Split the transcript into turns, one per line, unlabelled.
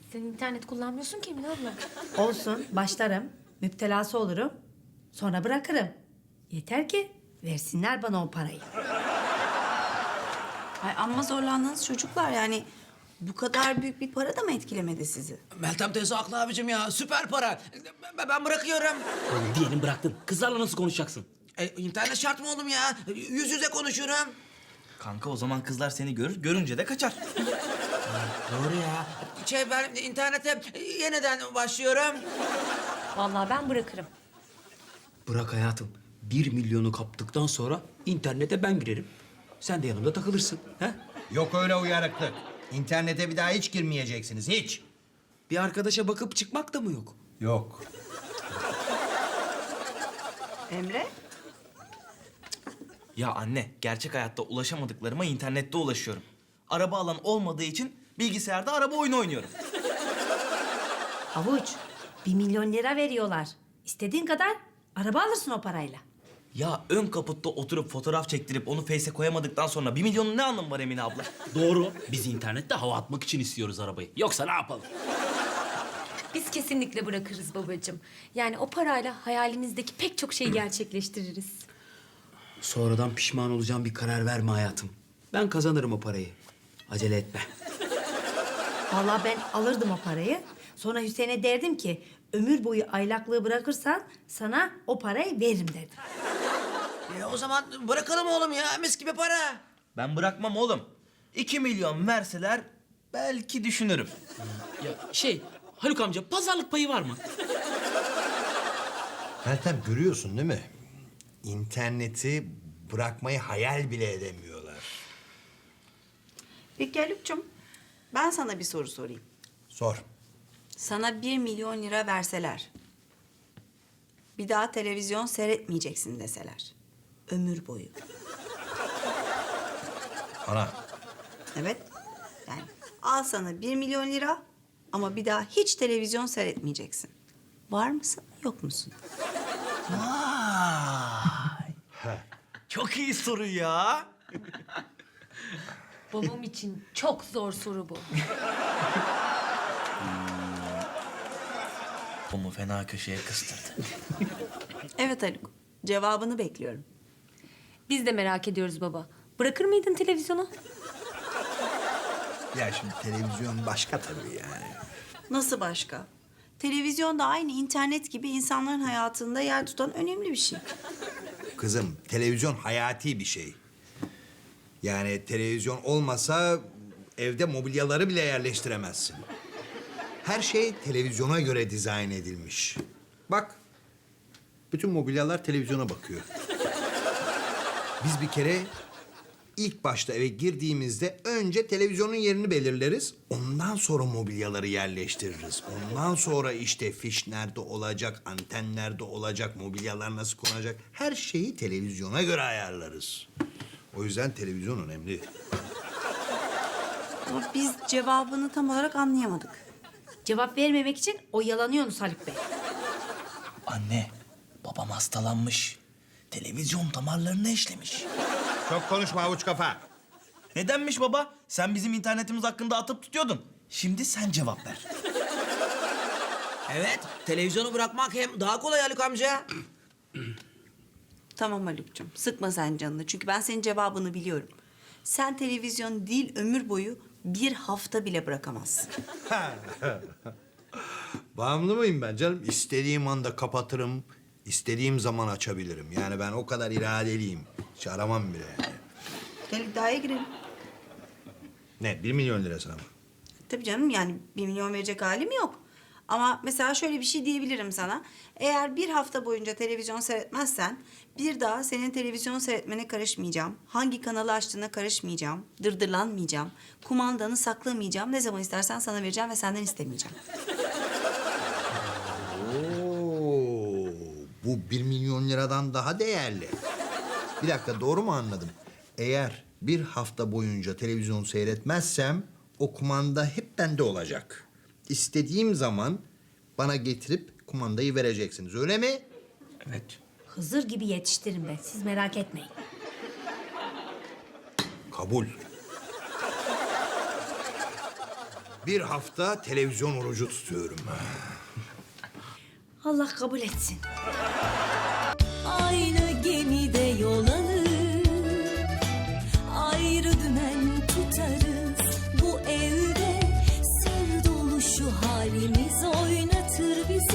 Sen internet kullanmıyorsun ki Emine abla.
Olsun, başlarım. Müptelası olurum. Sonra bırakırım. Yeter ki versinler bana o parayı.
Ay amma zorlandınız çocuklar yani. Bu kadar büyük bir para da mı etkilemedi sizi?
Meltem teyze haklı abicim ya. Süper para. Ben bırakıyorum.
Oğlum diyelim bıraktın. Kızlarla nasıl konuşacaksın?
İnternet şart mı oğlum ya? Yüz yüze konuşurum.
Kanka o zaman kızlar seni görür, görünce de kaçar.
Doğru ya. Ben internete yeniden başlıyorum.
Vallahi ben bırakırım.
Bırak hayatım. 1 milyonu kaptıktan sonra internete ben girerim. Sen de yanımda takılırsın. He?
Yok öyle uyarıklık. İnternete bir daha hiç girmeyeceksiniz, hiç.
Bir arkadaşa bakıp çıkmak da mı yok?
Yok.
Emre?
Ya anne, gerçek hayatta ulaşamadıklarıma internette ulaşıyorum. Araba alan olmadığı için bilgisayarda araba oyunu oynuyorum.
Havuç, 1 milyon lira veriyorlar. İstediğin kadar araba alırsın o parayla.
Ya ön kaputta oturup fotoğraf çektirip onu Face'e koyamadıktan sonra 1 milyonun ne anlamı var Emine abla?
Doğru. Biz internette hava atmak için istiyoruz arabayı. Yoksa ne yapalım?
Biz kesinlikle bırakırız babacığım. Yani o parayla hayalimizdeki pek çok şeyi gerçekleştiririz.
Sonradan pişman olacağım bir karar verme hayatım. Ben kazanırım o parayı. Acele etme.
Vallahi ben alırdım o parayı. Sonra Hüseyin'e derdim ki ömür boyu aylaklığı bırakırsan sana o parayı veririm derdim.
O zaman bırakalım oğlum ya. Mis gibi para.
Ben bırakmam oğlum. 2 milyon verseler belki düşünürüm.
Ya Haluk amca pazarlık payı var mı?
Meltem görüyorsun değil mi? İnterneti bırakmayı hayal bile edemiyorlar.
Peki Haluk'cum, ben sana bir soru sorayım.
Sor.
Sana 1 milyon lira verseler, bir daha televizyon seyretmeyeceksin deseler, ömür boyu.
Ana.
Evet, yani al sana 1 milyon lira ama bir daha hiç televizyon seyretmeyeceksin. Var mısın, yok musun?
Çok iyi soru ya.
Babam için çok zor soru bu.
Bunu fena köşeye kıstırdı.
Evet Haluk, cevabını bekliyorum.
Biz de merak ediyoruz baba. Bırakır mıydın televizyonu?
Ya şimdi televizyon başka tabii yani.
Nasıl başka? Televizyon da aynı internet gibi insanların hayatında yer tutan önemli bir şey.
Kızım televizyon hayati bir şey. Yani televizyon olmasa evde mobilyaları bile yerleştiremezsin. Her şey televizyona göre dizayn edilmiş. Bak, bütün mobilyalar televizyona bakıyor. Biz bir kere ilk başta eve girdiğimizde önce televizyonun yerini belirleriz. Ondan sonra mobilyaları yerleştiririz. Ondan sonra işte fiş nerede olacak, anten nerede olacak, mobilyalar nasıl konacak. Her şeyi televizyona göre ayarlarız. O yüzden televizyon önemli.
Ama biz cevabını tam olarak anlayamadık.
Cevap vermemek için oyalanıyorsunuz Haluk Bey.
Anne, babam hastalanmış. Televizyon damarlarını eşlemiş.
Çok konuşma avuç kafa.
Nedenmiş baba? Sen bizim internetimiz hakkında atıp tutuyordun. Şimdi sen cevap ver.
Evet, televizyonu bırakmak hem daha kolay Haluk amca.
Tamam Haluk'cum, sıkma sen canını. Çünkü ben senin cevabını biliyorum. Sen televizyon değil, ömür boyu bir hafta bile bırakamazsın.
Bağımlı mıyım ben canım? İstediğim anda kapatırım, istediğim zaman açabilirim. Yani ben o kadar iradeliyim. Hiç aramam bile yani.
Gel iddiaya girelim.
Ne, 1 milyon lirasına mı?
Tabii canım, yani 1 milyon verecek halim yok. Ama mesela şöyle bir şey diyebilirim sana. Eğer bir hafta boyunca televizyon seyretmezsen bir daha senin televizyon seyretmene karışmayacağım. Hangi kanalı açtığına karışmayacağım. Dırdırlanmayacağım. Kumandanı saklamayacağım. Ne zaman istersen sana vereceğim ve senden istemeyeceğim.
Oo, bu 1 milyon liradan daha değerli. Bir dakika, doğru mu anladım? Eğer bir hafta boyunca televizyon seyretmezsem o kumanda hep bende olacak. İstediğim zaman bana getirip kumandayı vereceksiniz, öyle mi?
Evet.
Hızır gibi yetiştirin ben. Siz merak etmeyin.
Kabul. Bir hafta televizyon orucu tutuyorum.
Allah kabul etsin.
Aynı gemide yol alır, ayrı dümen tutarız. Bu evde sır dolu şu halimiz oynatır bizi.